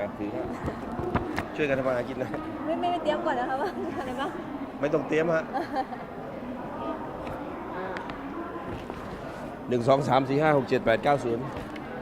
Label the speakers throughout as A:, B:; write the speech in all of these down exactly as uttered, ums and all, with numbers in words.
A: ครับถือครับช่วยกันทำมาหากินนะ
B: ไม่ไม่เตรียมก่อนนะคะว่าอะไรบ้าง
A: ไม่ต้องเตรียมฮะหนึ่งสองสามสี่ห้าหกเจ็ดแปดเก้าศูนย์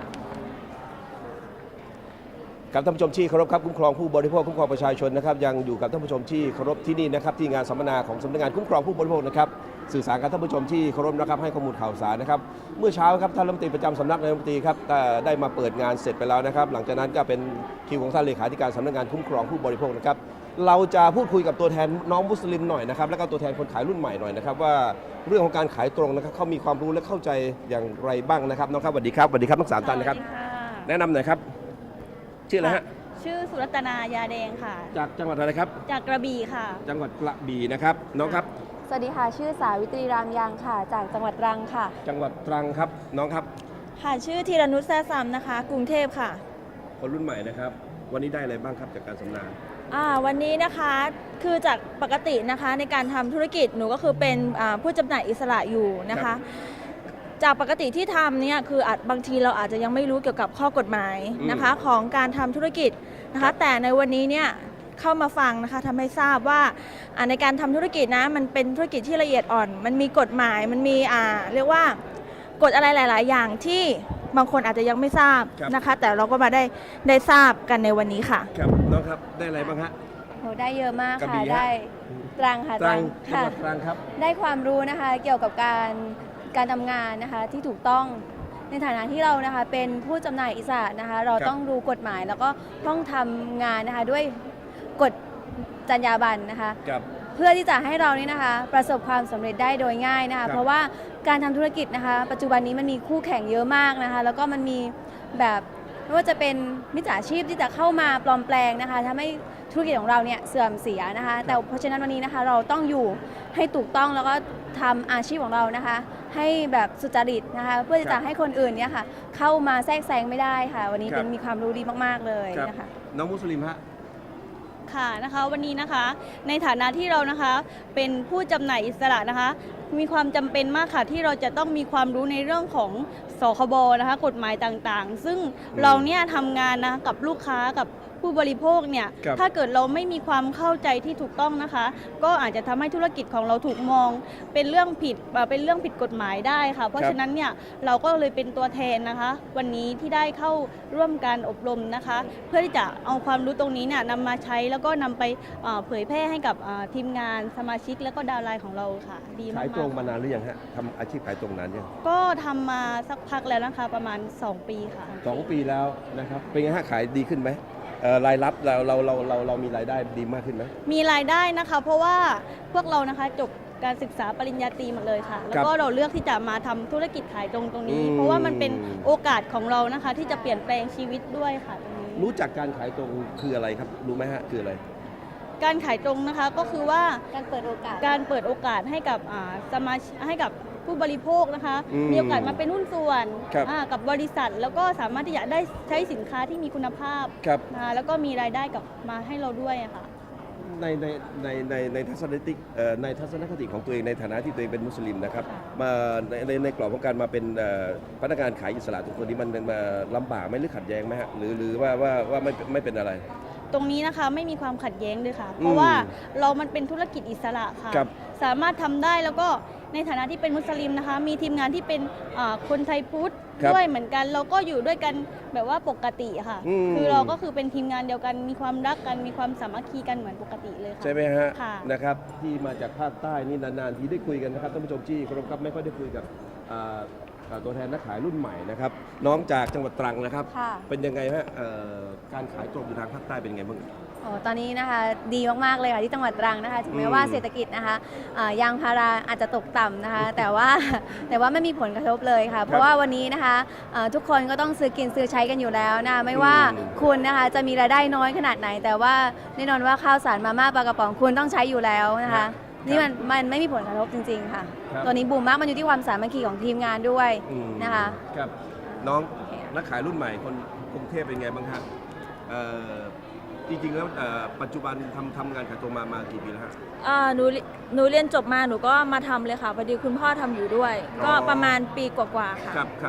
A: กับท่านผู้ชมที่เคารพครับคุ้มครองผู้บริโภคคุ้มครองประชาชนนะครับยังอยู่กับท่านผู้ชมที่เคารพที่นี่นะครับที่งานสัมมนาของสำนักงานคุ้มครองผู้บริโภคนะครับสื่อสารกับท่านผู้ชมที่เคารพนะครับให้ข้อมูลข่าวสารนะครับเมื่อเช้าครับท่านรัฐมนตรีประจำสำนักนายกรัฐมนตรีครับได้มาเปิดงานเสร็จไปแล้วนะครับหลังจากนั้นก็เป็นคิวของท่านเลขาธิการสำนักงานคุ้มครองผู้บริโภคนะครับเราจะพูดคุยกับตัวแทนน้องมุสลิมหน่อยนะครับแล้วก็ตัวแทนคนขายรุ่นใหม่หน่อยนะครับว่าเรื่องของการขายตรงนะครับเขามีความรู้และเข้าใจอย่างไรบ้างนะครับน้องครับสวัสดีครับสวัสดีครับทั้งสามท่านนะครับแนะนำหน่อยครับชื่ออะไรฮะ
B: ชื่อสุรัตนายาแดงค่ะ
A: จากจังหวัดอะไรครับ
B: จากกระบี่ค่ะ
A: จังหวัดกระบี่นะครับน้องครับ
B: สวัสดีค่ะชื่อสาวิตรีรามยางค่ะจากจังหวัดตรังค่ะ
A: จังหวัดตรังครับน้องครับ
B: ค่ะชื่อธีรนุชแซ่ซ้ำนะคะกรุงเทพค่ะ
A: คนรุ่นใหม่นะครับวันนี้ได้อะไรบ้างครับจากการสัมมนา
B: อ่าวันนี้นะคะคือจากปกตินะคะในการทำธุรกิจหนูก็คือเป็นผู้จำหน่ายอิสระอยู่นะคะจากปกติที่ทำเนี่ยคืออาจบางทีเราอาจจะยังไม่รู้เกี่ยวกับข้อกฎหมายนะคะของการทำธุรกิจนะคะแต่ในวันนี้เนี่ยเข้ามาฟังนะคะทำให้ทราบว่าในการทำธุรกิจนะมันเป็นธุรกิจที่ละเอียดอ่อนมันมีกฎหมายมันมีอ่าเรียกว่ากฎอะไรหลาย ๆ อย่างที่บางคนอาจจะยังไม่ทราบนะคะแต่เราก็มาได้ได้ทราบกันในวันนี้ค่ะ
A: ครับน้องครับได้อะไรบ้างฮะ
B: โหได้เยอะมากค่ะได้ตรังค่ะ
A: ตรังค่ะตรังครับ
B: ได้ความรู้นะคะเกี่ยวกับการการทำงานนะคะที่ถูกต้องในฐานะที่เรานะคะเป็นผู้จำหน่ายอิสระนะคะเราต้องรู้กฎหมายแล้วก็ต้องทำงานนะคะด้วยกฎจรรยาบรรณนะคะเพื่อที่จะให้เรานี่นะคะประสบความสำเร็จได้โดยง่ายนะคะเพราะว่าการทำธุรกิจนะคะปัจจุบันนี้มันมีคู่แข่งเยอะมากนะคะแล้วก็มันมีแบบไม่ว่าจะเป็นมิจฉาชีพที่จะเข้ามาปลอมแปลงนะคะทำให้ธุรกิจของเราเนี่ยเสื่อมเสียนะคะแต่เพราะฉะนั้นวันนี้นะคะเราต้องอยู่ให้ถูกต้องแล้วก็ทำอาชีพของเรานะคะให้แบบสุจริตนะคะเพื่อที่จะให้คนอื่นเนี่ยค่ะเข้ามาแทรกแซงไม่ได้ค่ะวันนี้เป็นมีความรู้ดีมากๆเลยนะคะ
A: น้องมุสลิมฮะ
C: ค่ะนะคะวันนี้นะคะในฐานะที่เรานะคะเป็นผู้จำหน่ายอิสระนะคะมีความจำเป็นมากค่ะที่เราจะต้องมีความรู้ในเรื่องของสคบนะคะกฎหมายต่างๆซึ่งเราเนี่ยทำงานนะกับลูกค้ากับผู้บริโภคเนี่ยถ้าเกิดเราไม่มีความเข้าใจที่ถูกต้องนะคะก็อาจจะทำให้ธุรกิจของเราถูกมองเป็นเรื่องผิดเป็นเรื่องผิดกฎหมายได้ค่ะเพราะฉะนั้นเนี่ยเราก็เลยเป็นตัวแทนนะคะวันนี้ที่ได้เข้าร่วมการอบรมนะคะเพื่อที่จะเอาความรู้ตรงนี้เนี่ยนำมาใช้แล้วก็นำไปเผยแพร่ให้กับทีมงานสมาชิกและก็ดาวไลน์ของเราค่ะดีมาก
A: ขายตรงมานานหรือยังฮะทำอาชีพขายตรงนานยัง
C: ก็ทำมาสักพักแล้วนะคะประมาณสองปีค่ะ
A: สองปีแล้วนะครับเป็นไงฮะขายดีขึ้นไหมรายรับเราเราเราเราเรามีรายได้ดีมากขึ้นไหม
C: มีรายได้นะคะเพราะว่าพวกเรานะคะจบการศึกษาปริญญาตรีหมดเลยค่ะแล้วก็เราเลือกที่จะมาทำธุรกิจขายตรงตรงนี้เพราะว่ามันเป็นโอกาสของเรานะคะที่จะเปลี่ยนแปลงชีวิตด้วยค่ะตรงนี้
A: รู้จักการขายตรงคืออะไรครับรู้ไหมฮะคืออะไร
C: การขายตรงนะคะก็คือว่า
B: การเปิดโอกาส
C: การเปิดโอกาสให้กับสมาชิกให้กับผู้บริโภคนะคะมีโอกาสมาเป็นหุ้นส่วนกับบริษัทแล้วก็สามารถที่จะได้ใช้สินค้าที่มีคุณภาพนะแล้วก็มีรายได้กลับมาให้เราด้วยค่ะ
A: ในในในในในทัศนคติในทัศนคติของตัวเองในฐานะที่ตัวเองเป็นมุสลิมนะครับมาในในในกรอบของการมาเป็นพนักงานขายอิสระทุกคนนี้มันมาลำบากไหมหรือขัดแย้งไหมฮะหรือหรือว่าว่าว่าไม่ไม่เป็นอะไร
C: ตรงนี้นะคะไม่มีความขัดแย้งเลยค่ะเพราะว่าเรามันเป็นธุรกิจอิสระค่ะสามารถทำได้แล้วก็ในฐานะที่เป็นมุสลิมนะคะมีทีมงานที่เป็นคนไทยพุทธด้วยเหมือนกันเราก็อยู่ด้วยกันแบบว่าปกติค่ะคือเราก็คือเป็นทีมงานเดียวกันมีความรักกันมีความสามัคคีกันเหมือนปกติเลยค่ะ
A: ใช่ไหมฮะนะครับที่มาจากภาคใต้นี่นานๆทีได้คุยกันนะครับท่านผู้ชมที่เคารพครับไม่ค่อยได้คุยกับตัวแทนนักขายรุ่นใหม่นะครับน้องจากจังหวัดตรังนะครับเป็นยังไงฮะการขายตรงอยู่ทางภาคใต้เป็นยังไงบ้าง
B: โอ้ตอนนี้นะคะดีมากๆเลยค่ะที่จังหวัดตรังนะคะถึงแม้ว่าเศรษฐกิจนะคะยางพาราอาจจะตกต่ำนะคะแต่ว่าแต่ว่าไม่มีผลกระทบเลยค่ะเพราะว่าวันนี้นะคะทุกคนก็ต้องซื้อกินซื้อใช้กันอยู่แล้วนะไม่ว่าคุณนะคะจะมีรายได้น้อยขนาดไหนแต่ว่าแน่นอนว่าข้าวสารมาม่าปลากระป๋องคุณต้องใช้อยู่แล้วนะคะนี่มันมันไม่มีผลกระทบจริงๆค่ะตัวนี้บูมมากมันอยู่ที่ความสามัคคีของทีมงานด้วยนะคะ
A: ครับน้องนักขายรุ่นใหม่คนกรุงเทพเป็นไงบ้างครับจริงๆแล้วปัจจุบันทำทำงานขายตรงมามากี่ปีแล้วฮะ
C: อ่าหนูหนูเรียนจบมาหนูก็มาทำเลยค่ะพอดีคุณพ่อทำอยู่ด้วยก็ประมาณปีกว่าๆค่ะ
A: ครับครับ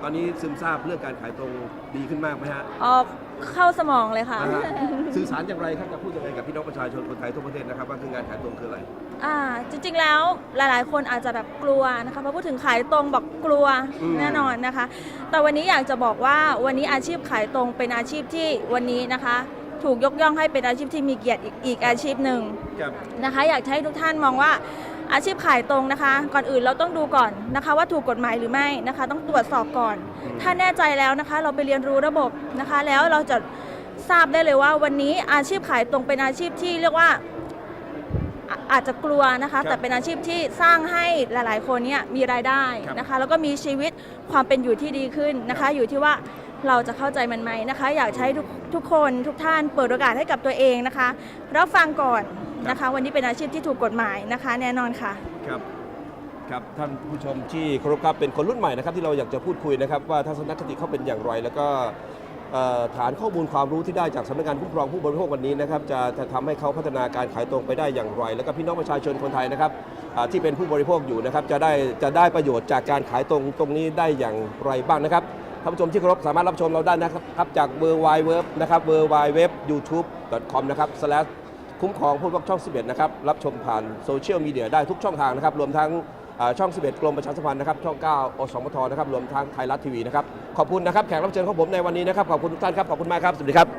A: ตอนนี้ซึมซาบเรื่องการขายตรงดีขึ้นมากไหมฮะ
D: ออกเข้าสมองเลยค่ะ
A: นะฮะสื่อสารอย่างไรครับจะพูดยังไงกับพี่น้องประชาชนคนไทยทั่วประเทศนะครับว่าคืองานขายตรงคืออะไร
D: อ่าจริงๆแล้วหลายๆ คนอาจจะแบบกลัวนะคะพอพูดถึงขายตรงบอกกลัว
A: อืม
D: แน่นอนนะคะ แต่วันนี้อยากจะบอกว่าวันนี้อาชีพขายตรงเป็นอาชีพที่วันนี้นะคะ ถูกยกย่องให้เป็นอาชีพที่มีเกียรติอีกอีกอาชีพหนึ่ง
A: ครับ
D: นะคะ อยากให้ทุกท่านมองว่าอาชีพขายตรงนะคะ ก่อนอื่นเราต้องดูก่อนนะคะ ว่าถูกกฎหมายหรือไม่นะคะ ต้องตรวจสอบก่อน ถ้าแน่ใจแล้วนะคะ เราไปเรียนรู้ระบบนะคะ แล้วเราจะทราบได้เลยว่าวันนี้อาชีพขายตรงเป็นอาชีพที่เรียกว่าอ่ะอาจจะกลัวนะ
A: ครั
D: คะ
A: บ
D: แต่เป็นอาชีพที่สร้างให้หลาย ๆ คนเนี่ยมีรายได้
A: ครับ
D: นะคะ แล้วก็มีชีวิตความเป็นอยู่ที่ดีขึ้นนะคะ อยู่ที่ว่าเราจะเข้าใจมันไหมนะคะ อยากใช้ทุกทุกคนทุกท่านเปิดโอกาสให้กับตัวเองนะคะรับฟังก่อนนะคะ วันนี้เป็นอาชีพที่ถูกกฎหมายนะคะ แน่นอนค่ะ
A: ครับครับท่านผู้ชมที่เคารพครับเป็นคนรุ่นใหม่นะครับที่เราอยากจะพูดคุยนะครับว่าทัศนคติเขาเป็นอย่างไร แล้วก็เอ่อฐานข้อมูลความรู้ที่ได้จากสำนักงานคุ้มครองผู้บริโภควันนี้นะครับจะจะทำให้เขาพัฒนาการขายตรงไปได้อย่างไร แล้วก็พี่น้องประชาชนคนไทยนะครับอ่าที่เป็นผู้บริโภคอยู่นะครับจะได้จะได้ประโยชน์จากการขายตรงตรงนี้ได้อย่างไรบ้างนะครับท่านผู้ชมที่เคารพสามารถรับชมเราได้นะครับจาก เวอร์ ไวด์ เว็บ นะครับ เวอร์ ไวด์ เว็บ ยูทูบ ดอท คอม นะครับ slash คุ้มครองผู้บริโภคช่อง สิบเอ็ด นะครับ รับชมผ่านโซเชียลมีเดียได้ทุกช่องทางนะครับ รวมทั้งอ่าช่อง สิบเอ็ด กรมประชาสัมพันธ์นะครับ ช่อง เก้า อสมท นะครับ รวมทั้งไทยรัฐทีวีนะครับ ขอบคุณนะครับ แขกรับเชิญของผมในวันนี้นะครับ ขอบคุณทุกท่านครับ ขอบคุณมากครับ สวัสดีครับ